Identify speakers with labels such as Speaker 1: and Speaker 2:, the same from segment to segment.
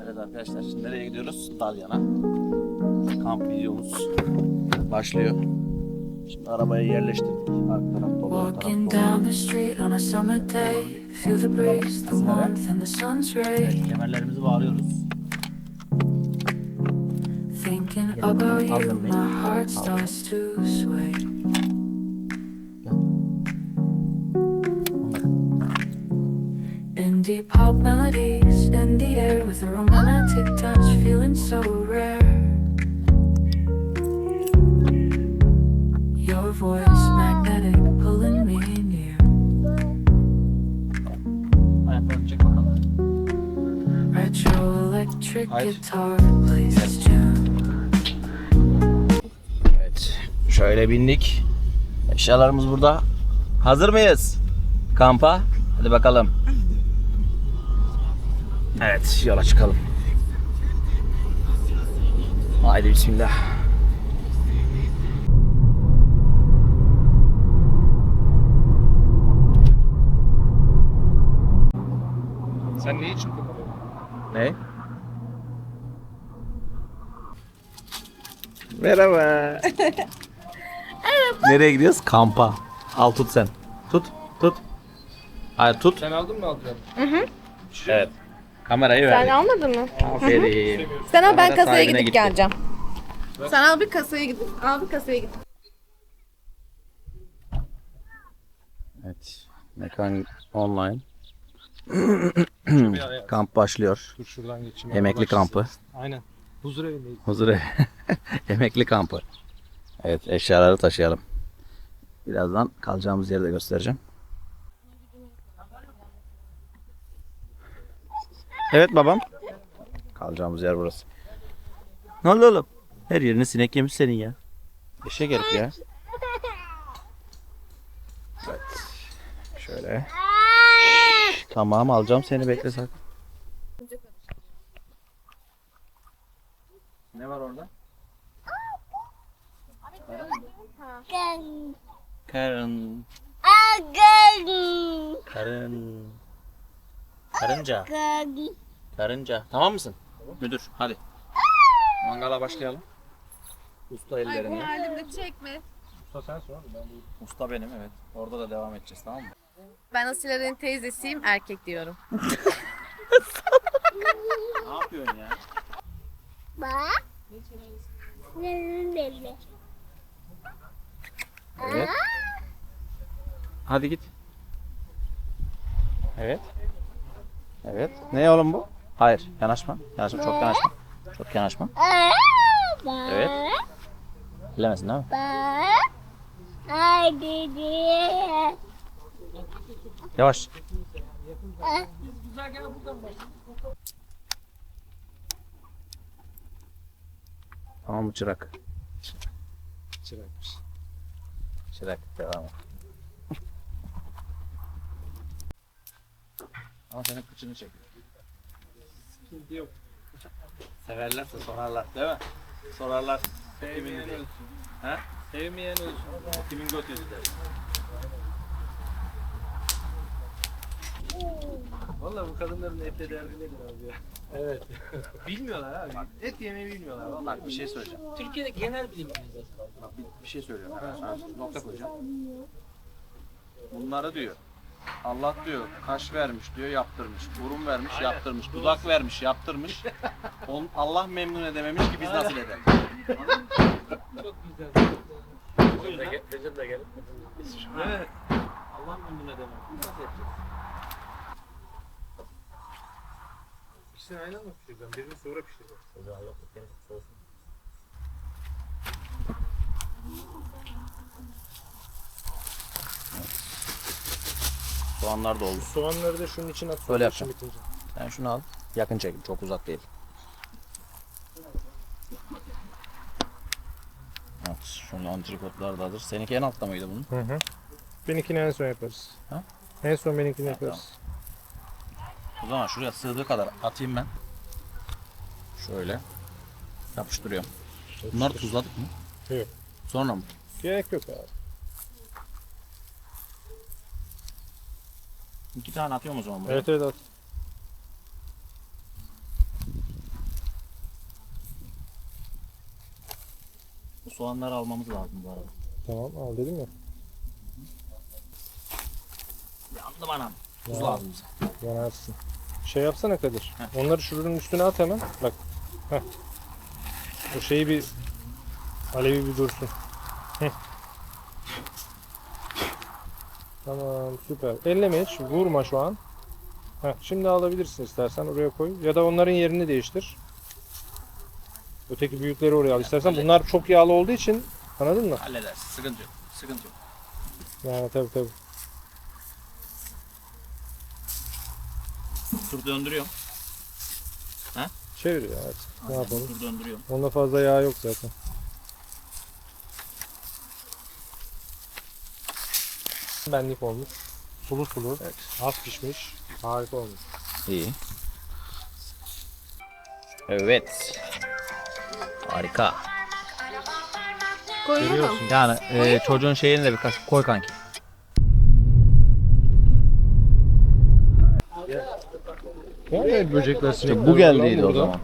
Speaker 1: Evet arkadaşlar, şimdi nereye gidiyoruz? Dalyan'a. Kamp videomuz başlıyor. Şimdi arabayı yerleştirdik. Arka taraf dolu, ön taraf
Speaker 2: Walking
Speaker 1: dolu.
Speaker 2: down the street on a summer day, feel the breeze, the warmth and the sun's ray.
Speaker 1: Evet, kemerlerimizi bağlıyoruz.
Speaker 2: Thinking about you, my heart starts to sway. Indie pop melodies in the air with a romantic touch, feeling so rare. Your voice magnetic, pulling me near.
Speaker 1: Ayaklarını çek bakalım.
Speaker 2: Retro electric
Speaker 1: Hayır.
Speaker 2: guitar plays its tune.
Speaker 1: Evet, şöyle bindik. Eşyalarımız burada. Hazır mıyız? Kampa. Hadi bakalım. Evet, yola çıkalım. Haydi bismillah.
Speaker 3: Sen ne için kullanıyorsun?
Speaker 1: Ne? Merhaba. Nereye gidiyoruz? Kampa. Al tut sen. Tut. Hayır tut.
Speaker 3: Sen aldın mı aldın?
Speaker 1: Evet. Kamerayı
Speaker 4: Sen
Speaker 1: ver.
Speaker 4: almadın mı?
Speaker 1: Aferin.
Speaker 4: Sen al, ben
Speaker 1: Kamera
Speaker 4: kasaya
Speaker 1: sahibine
Speaker 4: gidip
Speaker 1: gitti.
Speaker 4: geleceğim. Sen al bir kasaya gidip, al bir kasaya gidip.
Speaker 1: Evet. Mekan online.
Speaker 3: Bir araya.
Speaker 1: Kamp başlıyor.
Speaker 3: Dur şuradan geçeyim.
Speaker 1: Emekli kampı.
Speaker 3: Aynen. Huzur evindeyiz.
Speaker 1: Huzur Emekli kampı. Evet, eşyaları taşıyalım. Birazdan kalacağımız yeri de göstereceğim. Evet babam. Kalacağımız yer burası. Ne oldu oğlum? Her yerini sinek yemiş senin ya. Eşek herif ya. Evet. Şöyle. Tamam, alacağım seni, bekle sakın. Ne var orada? Karın. Karın. Karınca. Karınca. Tamam mısın? Müdür, hadi. Mangala başlayalım. Usta ellerinde.
Speaker 4: Halimde çekme.
Speaker 3: Usta sen sor. Ben de
Speaker 1: Usta benim, evet. Orada da devam edeceğiz, tamam mı?
Speaker 4: Ben Asile'nin teyzesiyim, erkek diyorum.
Speaker 1: Ne yapıyorsun ya? Evet. Hadi git. Evet. Evet. Ne oğlum bu? Hayır, yanaşma. Yanaşma, çok yanaşma. Çok yanaşma. Evet. Bilemesin değil mi? Yavaş. Tamam mı çırak?
Speaker 3: çırakmış.
Speaker 1: Çırak, devam et. Ama senin kıçını çek.
Speaker 3: Sıkıntı yok.
Speaker 1: Severlerse sorarlar, değil mi? Sorarlar.
Speaker 3: Sevmeyen ölsün.
Speaker 1: Ha?
Speaker 3: Sevmeyen ölsün.
Speaker 1: Kimin götüydü der.
Speaker 3: Valla bu kadınların etle derdi nedir abi ya? Evet. Bilmiyorlar abi. Et yemeyi bilmiyorlar. Vallahi.
Speaker 1: Bak bir şey söyleyeceğim.
Speaker 3: Türkiye'de genel bilim
Speaker 1: Bak bir şey söylüyorum. Hemen sana nokta koyacağım. Bunları diyor. Allah diyor kaş vermiş diyor, yaptırmış. Burun vermiş, yaptırmış. Dudak vermiş, yaptırmış. Allah memnun edememiş ki biz nasıl edelim?
Speaker 3: Çok güzel. Recep de gelin.
Speaker 1: Evet. Allah memnun edememiş. Biz nasıl edeceğiz?
Speaker 3: İkisini aynı anda pişireceğim. Birini sonra pişireceğim.
Speaker 1: Soğanlar da oldu.
Speaker 3: Soğanları da şunun içine atıp
Speaker 1: Böyle yapacağım.
Speaker 3: bitince.
Speaker 1: Sen şunu al. Yakın çekim, çok uzak değil. Evet, şunun antrikotlar da hazır. Seninki en altta mıydı bunun?
Speaker 3: Hı hı. Benimkini en son yaparız.
Speaker 1: Ha?
Speaker 3: En son benimkini yaparız.
Speaker 1: O zaman şuraya sığdığı kadar atayım ben. Şöyle. Yapıştırıyorum. Bunları tuzladık mı?
Speaker 3: Yok.
Speaker 1: Sonra mı?
Speaker 3: Gerek yok abi.
Speaker 1: 2 tane atıyorum o zaman buraya.
Speaker 3: Evet evet at.
Speaker 1: soğanları almamız lazım bu arada.
Speaker 3: Tamam al dedim ya.
Speaker 1: Yandım anam. Tuz
Speaker 3: Ya.
Speaker 1: lazım bize.
Speaker 3: Yanarsın. Şey yapsana Kadir.
Speaker 1: Heh.
Speaker 3: Onları şurunun üstüne at hemen. Bak. Heh. O şeyi bir alevi bir dursun. Heh. Tamam süper. Elleme hiç. Vurma şu an. Heh, şimdi alabilirsin istersen oraya koy. Ya da onların yerini değiştir. Öteki büyükleri oraya al istersen. Bunlar çok yağlı olduğu için anladın mı?
Speaker 1: Halledersin. Sıkıntı yok. Sıkıntı yok.
Speaker 3: Yani tabii.
Speaker 1: Tur döndürüyorum.
Speaker 3: Çevir ya. Evet. Ne
Speaker 1: Aynen,
Speaker 3: yapalım?
Speaker 1: tur döndürüyorum.
Speaker 3: Onda fazla yağ yok zaten. Benlik olmuş. Sulu sulu.
Speaker 1: Evet.
Speaker 3: Az pişmiş. Harika olmuş.
Speaker 1: İyi. Evet. Harika.
Speaker 4: Koyuyor mu?
Speaker 3: Görüyorsun.
Speaker 1: Yani çocuğun şeyini de birkaç koy kanki.
Speaker 3: Yani böcekler
Speaker 1: İşte bu geldiydi o zaman.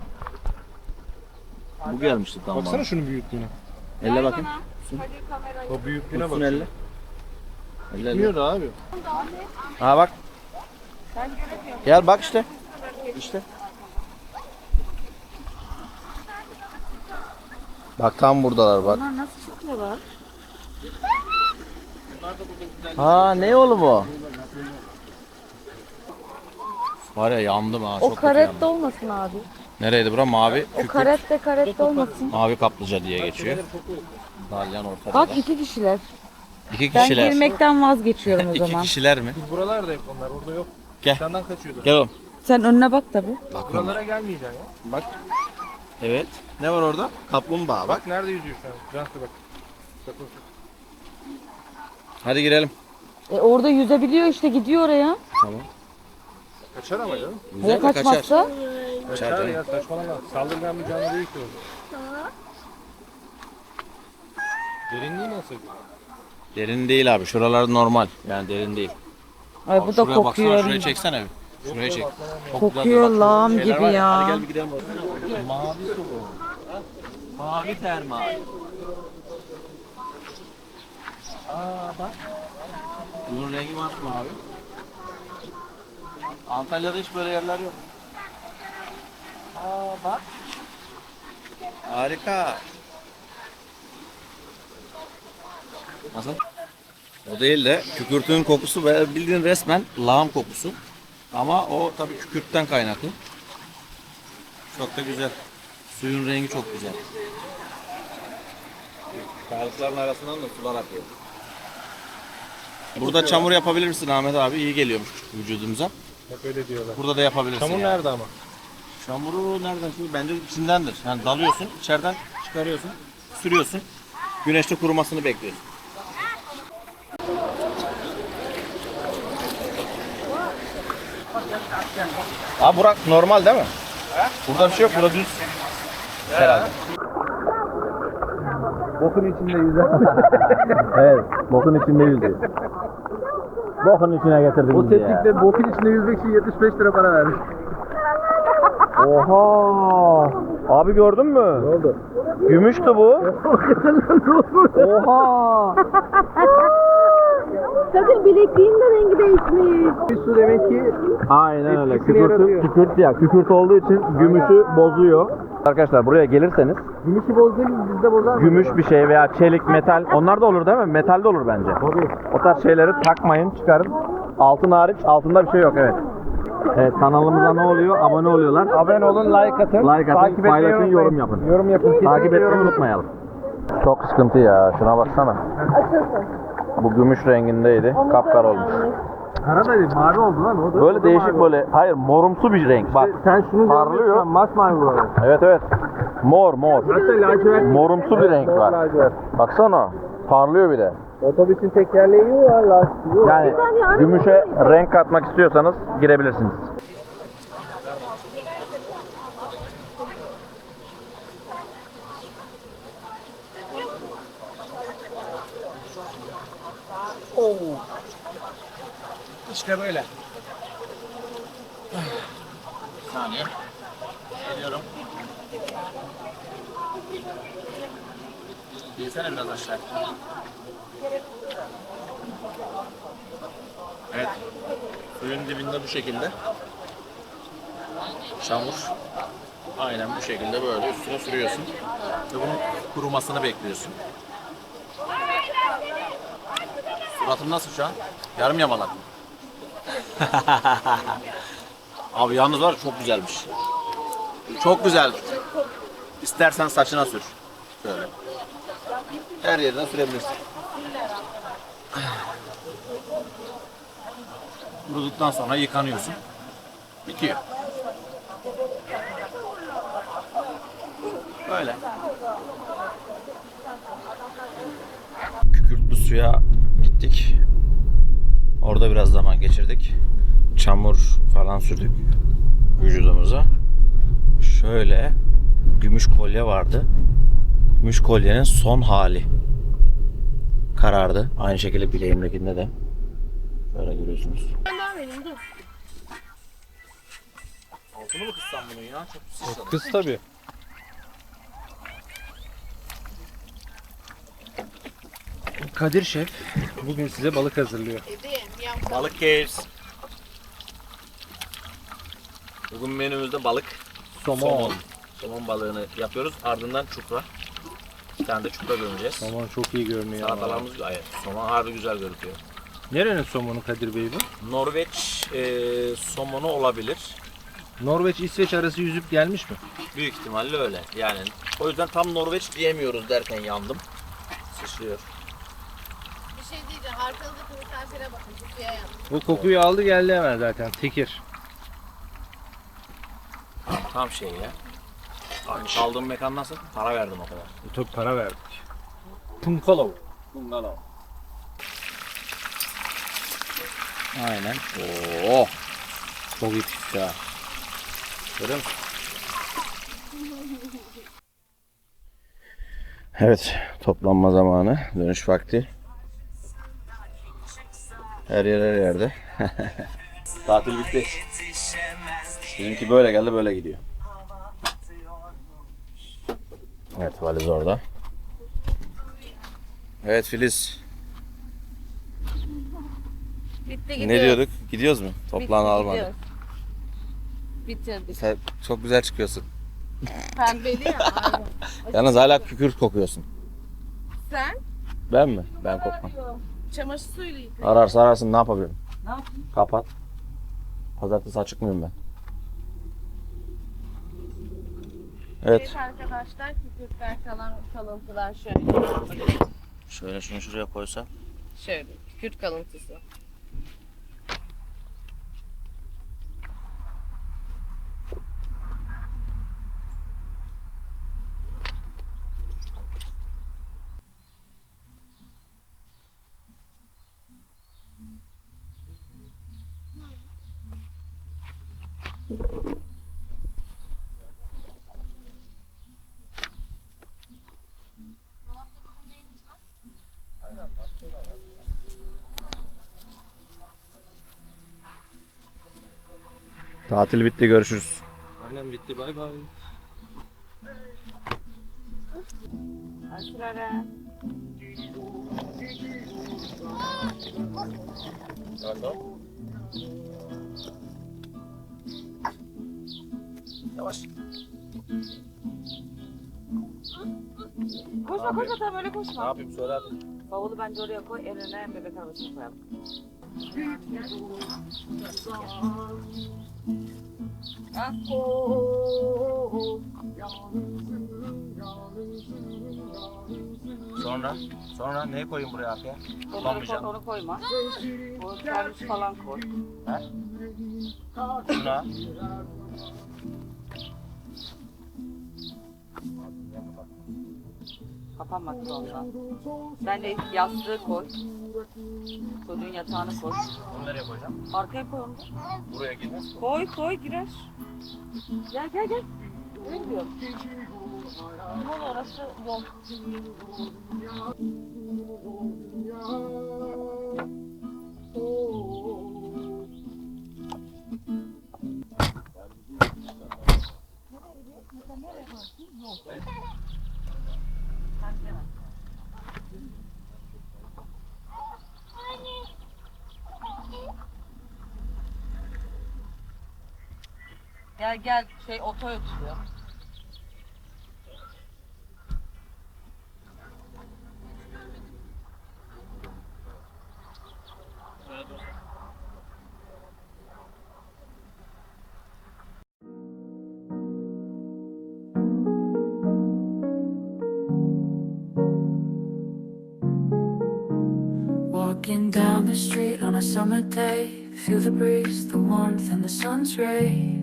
Speaker 1: Bu gelmişti tamam.
Speaker 3: Baksana şunun büyüklüğüne.
Speaker 1: Elle bakayım.
Speaker 3: O büyüklüğüne
Speaker 1: Tutsun
Speaker 3: bak.
Speaker 1: elle. Elle.
Speaker 3: Bilmiyor da abi.
Speaker 1: Ha bak. Gel bak işte. İşte. Bak tam buradalar bak.
Speaker 4: Bunlar nasıl çıkıyorlar?
Speaker 1: Ha ne oğlum o? Var ya yandım ha.
Speaker 5: O
Speaker 1: Çok kötü
Speaker 5: karette
Speaker 1: yandım.
Speaker 5: olmasın abi.
Speaker 1: Nereydi bura? Mavi.
Speaker 5: O karette olmasın.
Speaker 1: Mavi kaplıca diye geçiyor. Dalyan ortada.
Speaker 5: Bak
Speaker 1: da.
Speaker 5: 2 kişiler.
Speaker 1: İki
Speaker 5: Ben
Speaker 1: kişiler.
Speaker 5: girmekten vazgeçiyorum o
Speaker 1: İki
Speaker 5: zaman.
Speaker 1: kişiler mi?
Speaker 3: Biz buralarda hep onlar. Orada yok.
Speaker 1: Gel.
Speaker 3: Senden kaçıyordu.
Speaker 1: Gel oğlum.
Speaker 5: Sen önüne bak tabi.
Speaker 1: Bak
Speaker 3: Buralara gelmeyeceksin ya.
Speaker 1: Bak. Evet. Ne var orada? Kaplumbağa bak.
Speaker 3: Bak nerede yüzüyor şu an. Cansu bak. Bak.
Speaker 1: Hadi girelim.
Speaker 5: Orada yüzebiliyor işte, gidiyor oraya.
Speaker 1: Tamam.
Speaker 3: Kaçar ama canım.
Speaker 5: Ya kaçmazsa?
Speaker 1: Kaçar
Speaker 3: Kaçar
Speaker 1: canım.
Speaker 3: ya saçmalama. Saldırgan bir canlı değil ki o. Derinliği nasıl?
Speaker 1: Derin değil abi. Şuralar normal. Yani derin değil.
Speaker 5: Ay
Speaker 1: Abi
Speaker 5: bu da
Speaker 1: şuraya baksana.
Speaker 5: kokuyor.
Speaker 1: Şuraya çeksene bir. Şuraya çek. Çok
Speaker 5: Kokuyor
Speaker 1: güzel de bak.
Speaker 5: lağım
Speaker 1: Şeyler
Speaker 5: gibi
Speaker 1: var
Speaker 5: ya.
Speaker 1: Hadi gel bir gidelim bakalım. Mavi su bu. Mavi termal. Aa bak. Bunun rengi masmavi. Antalya'da hiç böyle yerler yok. Aa bak. Harika. Nasıl? O değil de kükürtün kokusu ve bildiğin resmen lağım kokusu. Ama o tabii kükürtten kaynaklı. Çok da güzel. Suyun rengi çok güzel. Kayalıkların arasından da sular akıyor. Burada çamur yapabilir misin Ahmet abi? İyi geliyormuş vücudumuza.
Speaker 3: Hep öyle diyorlar.
Speaker 1: Burada da yapabilirsin.
Speaker 3: Çamur
Speaker 1: yani.
Speaker 3: nerede ama?
Speaker 1: Çamuru nereden? Şimdi bence içindendir. Yani dalıyorsun, içeriden çıkarıyorsun, sürüyorsun. Güneşte kurumasını bekliyorsun. Abi Burak normal değil mi? Burada bir şey yok, burada düz. Herhalde. Bokun içinde yüzüyor. Evet, bokun içinde yüzüyor. Bokun içine getirdim
Speaker 3: O teknikle bokun içinde yüzmek için 75 lira para vermiş.
Speaker 1: Oha! Abi gördün mü?
Speaker 3: Ne oldu?
Speaker 1: Gümüştü bu. Oha!
Speaker 5: Sakın bilekliğin de rengi değişmiş.
Speaker 3: Bir su demek ki
Speaker 1: Aynen öyle.
Speaker 3: Etkisini yaratıyor.
Speaker 1: Kükürt ya. Kükürt olduğu için gümüşü bozuyor. Arkadaşlar buraya gelirseniz
Speaker 3: gümüşü bozduğumuz bizde bozar.
Speaker 1: gümüş bir şey veya çelik, metal onlar da olur değil mi? Metal de olur bence.
Speaker 3: Tabii.
Speaker 1: O tarz şeyleri takmayın, çıkarın. Altın hariç, altında bir şey yok evet. Evet, kanalımıza ne oluyor? Abone oluyorlar.
Speaker 3: Abone olun, like atın.
Speaker 1: Like atın,
Speaker 3: Takip etmeyi
Speaker 1: paylaşın,
Speaker 3: unutmayın.
Speaker 1: yorum yapın.
Speaker 3: Yorum yapın.
Speaker 1: Takip
Speaker 3: Kesinlikle
Speaker 1: etmeyi
Speaker 3: yorum yapın.
Speaker 1: unutmayalım. Çok sıkıntı ya. Şuna baksana. Bu gümüş rengindeydi. Kapkara olmuş.
Speaker 3: Kara da değil, mavi oldu lan. O da,
Speaker 1: Böyle
Speaker 3: o da
Speaker 1: değişik
Speaker 3: mavi.
Speaker 1: böyle. Hayır, morumsu bir renk. Bak.
Speaker 3: Sen şunu
Speaker 1: Parlıyor.
Speaker 3: görüyorsun, masmavi buralar.
Speaker 1: Evet evet. Mor.
Speaker 3: Hatta lacivert.
Speaker 1: Morumsu bir renk var.
Speaker 3: Lacivert.
Speaker 1: Baksana. Parlıyor bir de.
Speaker 3: Otobüsün tekerleği var, lastiği var.
Speaker 1: Yani gümüşe renk katmak istiyorsanız girebilirsiniz.
Speaker 3: İşte böyle.
Speaker 1: Bir saniye. Geliyorum. Yesene biraz aşağı. Evet. Suyun dibinde bu şekilde. Çamur. Aynen bu şekilde böyle üstüne sürüyorsun. Ve bunun kurumasını bekliyorsun. Suratın nasıl şu an? Yarım yamalak. Abi yalnız var ya, çok güzelmiş. Çok güzel. İstersen saçına sür. Şöyle. Her yerine sürebilirsin. Kuruduktan sonra yıkanıyorsun. Bitiyor. Böyle. Kükürtlü suya gittik. Orada biraz zaman geçirdik. Çamur falan sürdük vücudumuza. Şöyle gümüş kolye vardı. Gümüş kolyenin son hali karardı. Aynı şekilde bileğimdekinde de. Böyle görüyorsunuz.
Speaker 4: Ben daha vereyim dur.
Speaker 1: Altını mı kıssam bunun ya? Çok sıçradı.
Speaker 3: Kız tabii. Kadir Şef bugün size balık hazırlıyor.
Speaker 1: Balık keyifs. Bugün menümüzde balık.
Speaker 3: Somon.
Speaker 1: Somon balığını yapıyoruz. Ardından çupra. Bir tane de çupra gömeceğiz.
Speaker 3: Somon çok iyi görünüyor.
Speaker 1: Salatalarımız gayet. Somon harbi güzel görünüyor.
Speaker 3: Nerenin somonu Kadir Bey bu?
Speaker 1: Norveç somonu olabilir.
Speaker 3: Norveç İsveç arası yüzüp gelmiş mi?
Speaker 1: Büyük ihtimalle öyle. Yani o yüzden tam Norveç diyemiyoruz derken yandım. Sıçrıyor.
Speaker 4: Bir şey diyeceğim. Arkanızdaki misafire bakın. Kutuya yan.
Speaker 3: Bu kokuyu aldı geldi hemen zaten. Tekir.
Speaker 1: Tam şey ya. Kaldığım mekan nasıl? Para verdim o kadar.
Speaker 3: Tabii para verdik. Punkalov. Punkalov.
Speaker 1: Aynen. Oo. Çok iyi pişti ha. Görüyor musun? Evet, toplanma zamanı, dönüş vakti. Her yerde. Tatil bitti. Bizimki böyle geldi, böyle gidiyor. Evet, valiz orada. Evet Filiz,
Speaker 5: Bitti
Speaker 1: ne diyorduk? Gidiyoruz mu? Toplantı almadı.
Speaker 5: Bitirdik.
Speaker 1: Sen çok güzel çıkıyorsun.
Speaker 4: Pembeli ya. Aynen.
Speaker 1: Yalnız hala kükürt kokuyorsun.
Speaker 4: Sen
Speaker 1: Ben mi? Ben kokmam.
Speaker 4: çamaşır suyuyla yıka.
Speaker 1: Ararsa ararsın, ne yapabilirim?
Speaker 5: Ne yapayım?
Speaker 1: Kapat. Pazartesi açık mıyım ben? Evet.
Speaker 4: Evet arkadaşlar, kükürtler kalan kalıntılar şöyle.
Speaker 1: Şöyle şunu şuraya koysam.
Speaker 4: Şöyle, kükürt kalıntısı.
Speaker 1: Tatil bitti, görüşürüz.
Speaker 3: Aynen bitti, bay bay.
Speaker 5: Aşırı.
Speaker 1: Yavaş.
Speaker 5: Koşma koşma tamam öyle
Speaker 1: Ne
Speaker 5: koşma.
Speaker 1: yapayım söyle hadi.
Speaker 5: Bavulu bence oraya koy, en öne bebek arabasını koyalım. Ha?
Speaker 1: Sonra neyi koyayım buraya arkaya?
Speaker 5: Onu koyma. O servis falan koy.
Speaker 1: He? Şuna.
Speaker 5: Kapanmak ondan. Bence yastığı koy. Çocuğun yatağını koy.
Speaker 1: Bunu nereye koyacağım?
Speaker 5: Arkaya koy onu.
Speaker 1: Buraya girmez.
Speaker 5: Koy girer. Gel. Nereye gidiyorsun? Yol orası yol. Gel gel şey oto ötüyor.
Speaker 2: Walking down the street on a summer day, feel the breeze, the warmth, and the sun's ray.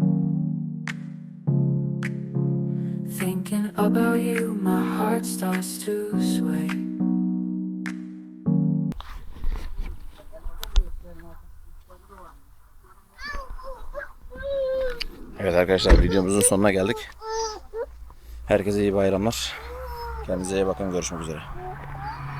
Speaker 2: Thinking about you, my heart starts to sway.
Speaker 1: Evet arkadaşlar, videomuzun sonuna geldik. Herkese iyi bayramlar. Kendinize iyi bakın. Görüşmek üzere.